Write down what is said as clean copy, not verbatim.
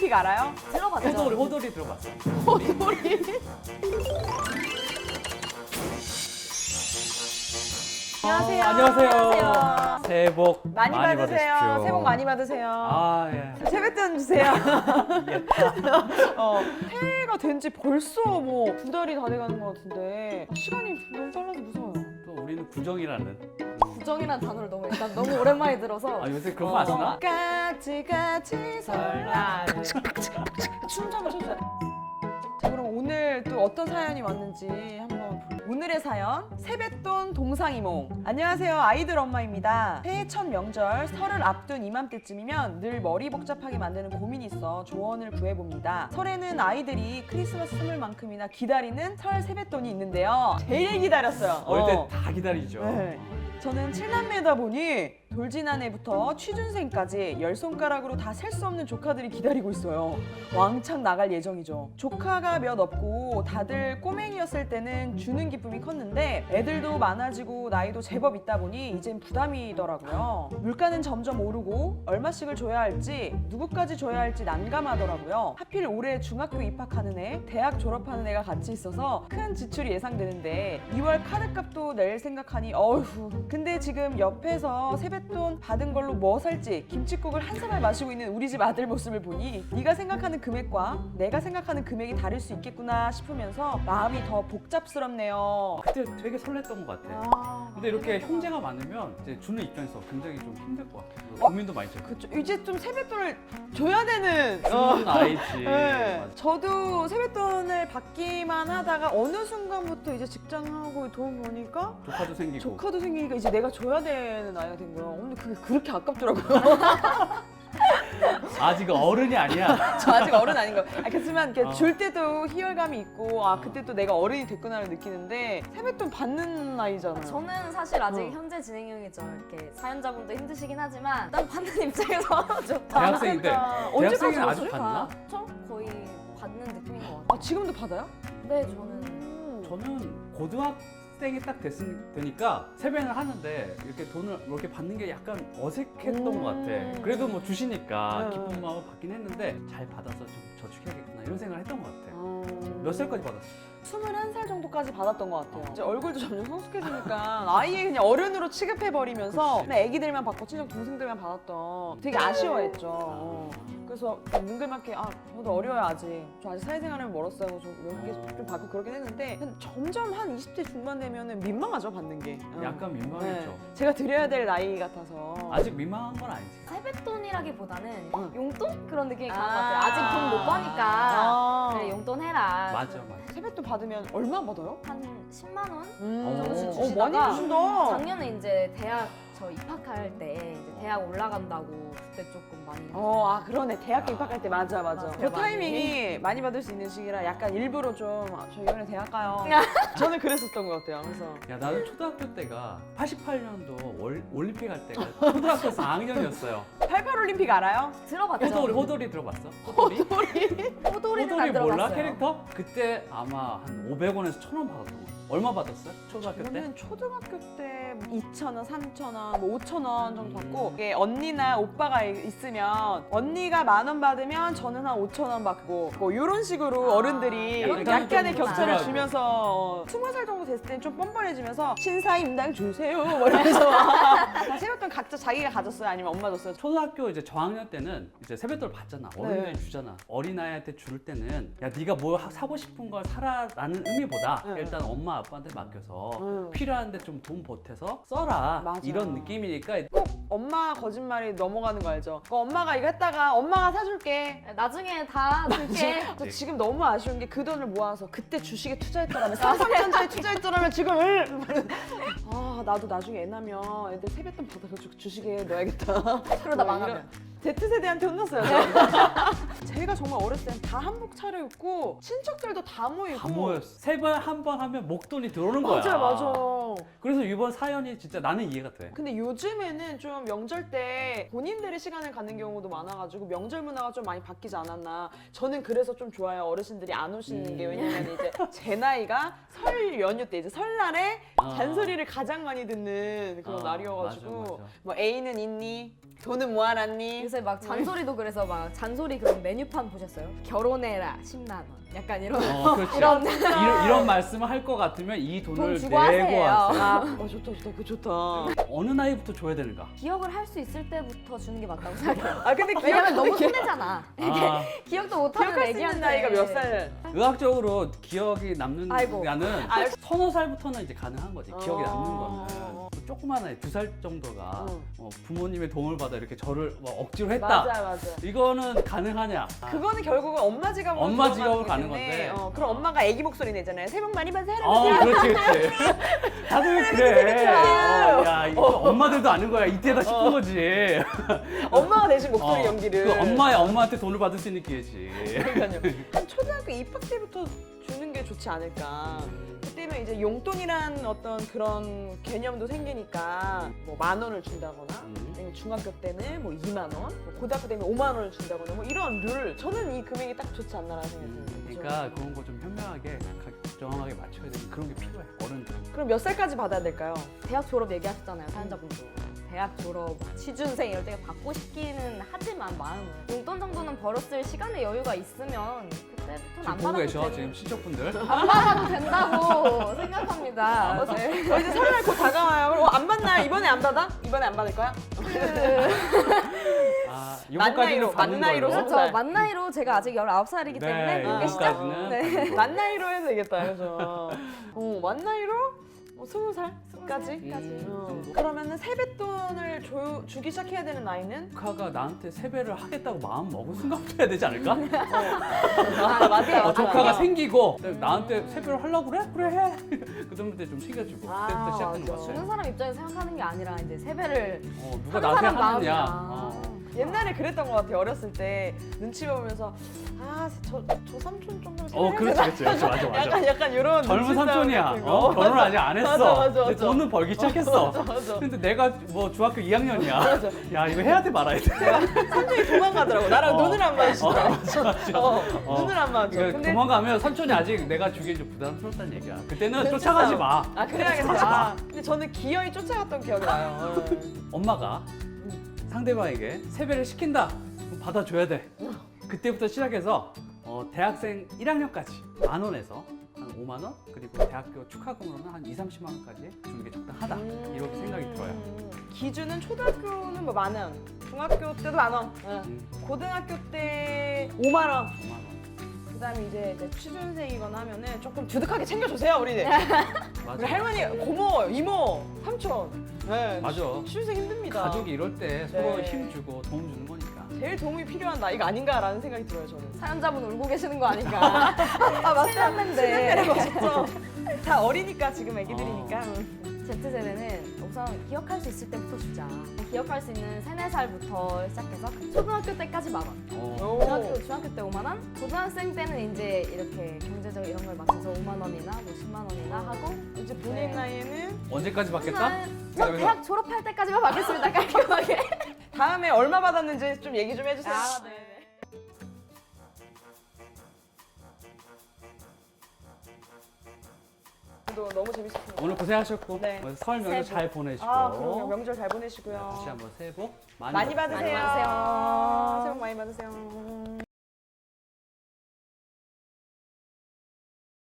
올림픽 알아요? 들어봤죠? 호돌이 들어봤어. 호돌이. 안녕하세요. 안녕하세요. 새해 복 많이 받으세요. 받으십시오. 새해 복 많이 받으세요. 아, 예. 세뱃돈 주세요. 새해가 된 지 벌써 뭐 2달이 다 돼가는 것 같은데 시간이 너무 빨라서 무서워요. 또 우리는 구정이라는. 부정이라는 단어를 너무 오랜만에 들어서 아, 요새 그런 거 아시나? 같이 설날. 춤 한번 춰주세요. 자, 그럼 오늘 또 어떤 사연이 왔는지 한번 볼게요. 오늘의 사연, 세뱃돈 동상이몽. 안녕하세요, 아이들 엄마입니다. 새해 첫 명절, 설을 앞둔 이맘때쯤이면 늘 머리 복잡하게 만드는 고민이 있어 조언을 구해봅니다. 설에는 아이들이 크리스마스 선물만큼이나 기다리는 설 세뱃돈이 있는데요. 제일 기다렸어요. 어릴 때 다 기다리죠. 네. 저는 7남매다 보니 돌진한 애부터 취준생까지 10손가락으로 다 셀 수 없는 조카들이 기다리고 있어요. 왕창 나갈 예정이죠. 조카가 몇 없고 다들 꼬맹이였을 때는 주는 기쁨이 컸는데 애들도 많아지고 나이도 제법 있다 보니 이젠 부담이더라고요. 물가는 점점 오르고 얼마씩을 줘야 할지 누구까지 줘야 할지 난감하더라고요. 하필 올해 중학교 입학하는 애, 대학 졸업하는 애가 같이 있어서 큰 지출이 예상되는데 2월 카드값도 낼 생각하니 어휴. 근데 지금 옆에서 세뱃돈 받은 걸로 뭐 살지 김칫국을 한 사발 마시고 있는 우리 집 아들 모습을 보니 네가 생각하는 금액과 내가 생각하는 금액이 다를 수 있겠구나 싶으면서 마음이 더 복잡스럽네요. 그때 되게 설렜던 것 같아. 근데 이렇게 형제가 많으면 이제 주는 입장에서 굉장히 좀 힘들 것 같아. 고민도 많이 죠. 그쵸. 이제 좀 세뱃돈을 줘야 되는 주는 아이지. 네. 맞아. 저도 세뱃돈을 받기만 하다가 어느 순간부터 이제 직장하고 돈 버니까 조카도 생기고. 조카도 생기니까 이제 내가 줘야 되는 나이가 된 거예요. 근데 그게 그렇게 아깝더라고요. 아직 어른이 아니야. 저 아직 어른 아닌 거. 그렇지만 이렇게 줄 때도 희열감이 있고 그때 또 내가 어른이 됐구나를 느끼는데 세뱃돈 받는 나이잖아요. 저는 사실 아직 어. 현재 진행형이죠. 이렇게 사연자분도 힘드시긴 하지만 일단 받는 입장에서 좋다. 대학생인데. 언제까지 대학생은 아직 받았어요? 받나? 저 거의 받는 느낌인 것 같아요. 지금도 받아요? 네, 저는 저는 고등학생이 딱 되니까 세배를 하는데 이렇게 돈을 이렇게 받는 게 약간 어색했던 것 같아. 그래도 뭐 주시니까 기쁜 마음을 받긴 했는데 잘 받아서 좀 저축해야겠구나 이런 생각을 했던 것 같아. 몇 살까지 받았어? 21살 정도까지 받았던 것 같아요. 이제 얼굴도 점점 성숙해지니까 아예 그냥 어른으로 취급해버리면서 그치. 그냥 애기들만 받고 친정 동생들만 받았던 되게 아쉬워했죠. 그래서 뭉글맞게 저도 어려요 아직. 저 아직 사회생활은 멀었어요. 좀 받고 그러긴 했는데 점점 한 20대 중반 되면은 민망하죠 받는 게. 약간 민망했죠. 네. 제가 드려야 될 나이 같아서. 아직 민망한 건 아니지. 세뱃돈이라기보다는 응. 용돈? 그런 느낌이 강한 것 같아요. 아직 돈 못 버니까 그래, 용돈 해라. 맞아. 세뱃돈 받으면 얼마 받아요? 한 10만 원? 많이 정도씩 주시다가 주신다. 작년에 이제 대학 저 입학할 때 이제 대학 올라간다고 그때 조금 많이 그러네. 대학교 입학할 때 맞아. 맞아요. 그 타이밍이 많이 받을 수 있는 시기라 약간 일부러 좀 저 이번에 대학 가요. 저는 그랬었던 것 같아요. 그래서 야, 나는 초등학교 때가 88년도 올림픽 할 때가 초등학교 4학년이었어요. 88올림픽 알아요? 들어봤죠? 호돌이 들어봤어? 호돌이? 호돌이는 안 호돌이 몰라? 들어봤어요. 캐릭터? 그때 아마 한 500원에서 1000원 받았던 거. 얼마 받았어요? 초등학교 때? 저는 초등학교 때 2,000원, 3,000원, 뭐 5,000원 정도 받고 이게 언니나 오빠가 있으면 언니가 10,000원 받으면 저는 한 5,000원 받고 뭐 이런 식으로 어른들이 약간의 좀 격차를 주더라고. 주면서 20살 정도 됐을 때는 좀 뻔뻔해지면서 신사임당 주세요 뭐 이러면서 세뱃돈 각자 자기가 가졌어요? 아니면 엄마 줬어요? 초등학교 이제 저학년 때는 이제 세뱃돈을 받잖아. 어른들이 네. 주잖아. 어린아이한테 줄 때는 야 네가 뭐 사고 싶은 걸 사라라는 의미보다 네. 일단 엄마 아빠한테 맡겨서 응. 필요한데 좀 돈 보태서 써라. 맞아. 이런 느낌이니까 꼭 엄마 거짓말이 넘어가는 거 알죠? 엄마가 이거 했다가 엄마가 사줄게. 나중에 다 줄게. 저 지금 너무 아쉬운 게 그 돈을 모아서 그때 주식에 투자했더라면 삼성전자에 투자했더라면 지금 나도 나중에 애 나면 애들 세뱃돈 받아가지고 주식에 넣어야겠다. 그러다 뭐 망하면. Z세대한테 혼났어요. 제가 정말 어렸을 땐 다 다 한복 차려입고 친척들도 다 모이고. 다 모였어. 세 번 한 번 하면 목돈이 들어오는 거야. 맞아 맞아. 그래서 이번 사연이 진짜 나는 이해가 돼. 근데 요즘에는 좀 명절 때 본인들의 시간을 갖는 경우도 많아가지고 명절 문화가 좀 많이 바뀌지 않았나. 저는 그래서 좀 좋아요. 어르신들이 안 오시는 게. 왜냐면 이제 제 나이가 설 연휴 때 이제 설날에 잔소리를 가장 많이 듣는 그런 날이어가지고 맞아, 맞아. 뭐 애인은 있니? 돈은 모아놨니? 요새 막 잔소리도 그래서 막 잔소리 그런 메뉴판 보셨어요? 결혼해라 10만 원. 약간 이런 그렇지. 이런 이런 말씀을 할 것 같으면 이 돈을 돈 내고 주고 하세요. 하세요. 아, 좋다 좋다 그거 좋다. 어느 나이부터 줘야 되는가? 기억을 할 수 있을 때부터 주는 게 맞다고 생각해요. 아 근데 왜냐면 너무 기억 혼내잖아. 아, 기억도 못하는 기억할 수 있는 애기한테 나이가 몇 살? 의학적으로 기억이 남는 아이고. 거는 아, 서너 살부터는 이제 가능한 거지. 기억이 남는 어. 거는. 조그만 아이 2살 정도가 응. 부모님의 도움을 받아 이렇게 저를 뭐 억지로 했다. 맞아 맞아. 이거는 가능하냐? 그거는 결국은 엄마 지갑으로 엄마 들어가는 지갑으로 거기 가는 때문에, 건데. 그럼 엄마가 애기 목소리 내잖아요. 새해 복 많이 받으세요 할아버지. 그렇지, 그렇지. 다들 그래. 야, 이거 엄마들도 아는 거야. 이때다 싶은 거지. 엄마가 대신 목소리 연기를. 그 엄마한테 돈을 받을 수 있는 기회지. 그러니까요. 한 초등학교 입학 때부터 주는 게 좋지 않을까. 그때면 이제 용돈이란 어떤 그런 개념도 생기니까 뭐 10,000원을 준다거나 아니면 중학교 때는 뭐 2만 원, 뭐 고등학교 때는 5만 원을 준다거나 뭐 이런 룰. 저는 이 금액이 딱 좋지 않나라는 생각이 듭니다. 그러니까 그런 거 좀 현명하게 정확하게 맞춰야 되는 그런 게 필요해. 어른들. 그럼 몇 살까지 받아야 될까요? 대학 졸업 얘기하셨잖아요, 사연자분도. 대학 졸업, 취준생 이럴 때 받고 싶기는 하지만 마음은 용돈 정도는 벌었을 시간의 여유가 있으면 그때부터는 지금 안 보고 받아도 계셔 되는- 지금 친척분들. 안 받아도 된다고 생각합니다. 네. 이제 설날 곧 다가와요. 그럼 안 받나요? 이번에 안 받아? 이번에 안 받을 거야? 요거까지는 받는 만 나이로 걸로. 살. 그렇죠. 만 나이로 제가 아직 19살이기 때문에 네, 그게 시작. 요거까지는 네. 받는 걸로. 만 나이로 해도 되겠다, 그죠? 만 나이로 20살까지? 정도? 그러면은 세뱃돈을 주기 시작해야 되는 나이는? 조카가 나한테 세배를 하겠다고 마음 먹은 순간부터 해야 되지 않을까? 아, 맞아요. 조카가 생기고 나한테 세배를 하려고 그래? 그래 해. 그다음부터 좀 챙겨주고 아, 그때부터 시작하는 맞아. 것 같아. 주는 사람 입장에서 생각하는 게 아니라 이제 세배를 누가 하는 나한테 사람 하느냐. 마음이야. 옛날에 그랬던 것 같아요. 어렸을 때 눈치 보면서 저 삼촌 정도는 그렇지. 맞아. 약간 이런 젊은 눈치 싸움 삼촌이야. 같은 거. 결혼 아직 안 했어. 맞아. 근데 돈은 벌기 시작했어. 맞아. 근데 내가 뭐 중학교 2학년이야. 맞아. 야 이거 해야 돼 말아야 돼. 삼촌이 도망가더라고. 나랑 눈을 안 마주치더라고. 맞아. 눈을 안 마주. 그러니까 근데 도망가면 삼촌이 아직 내가 주기엔 좀 부담스럽다는 얘기야. 그때는 눈치 쫓아가지 싸움. 마. 아 그래야겠다. 근데 저는 기어이 쫓아갔던 기억이 나요. 엄마가 상대방에게 세배를 시킨다. 그럼 받아줘야 돼. 그때부터 시작해서 대학생 1학년까지 10,000원에서 한 5만 원 그리고 대학교 축하금으로는 한 20-30만 원까지 주는 게 적당하다. 이렇게 생각이 들어요. 기준은 초등학교는 뭐 10,000원, 중학교 때도 10,000원, 고등학교 때 5만 원. 5만 원. 그다음에 이제 취준생이거나 하면은 조금 두둑하게 챙겨주세요 우리들. 맞아. 우리 할머니, 고모, 이모, 삼촌. 네, 맞아. 취준생 힘듭니다. 가족이 이럴 때 서로 네. 힘 주고 도움 주는 거니까. 제일 도움이 필요한 나이가 아닌가라는 생각이 들어요 저는. 사연자분 울고 계시는 거 아닌가? 아 맞다. 신났는데. 멋있죠. 다 어리니까 지금 애기들이니까. Z세대는 우선 기억할 수 있을 때부터 주자. 기억할 수 있는 3, 4살부터 시작해서 초등학교 때까지 10,000원. 오. 중학교 때 5만 원, 고등학생 때는 이제 이렇게 경제적 이런 걸 맞춰서 5만 원이나 뭐 10만 원이나 하고 이제 본인 네. 나이에는 언제까지 받겠다? 저 대학 졸업할 때까지만 받겠습니다. 깔끔하게. 다음에 얼마 받았는지 좀 얘기 좀 해주세요. 아, 네. 너무 재밌었습니다. 오늘 고생하셨고 네. 설 명절 새해 잘 보내시고 그럼요. 명절 잘 보내시고요. 다시 한번 새해 복 많이 받으세요. 많이 받으세요. 새해 복 많이 받으세요.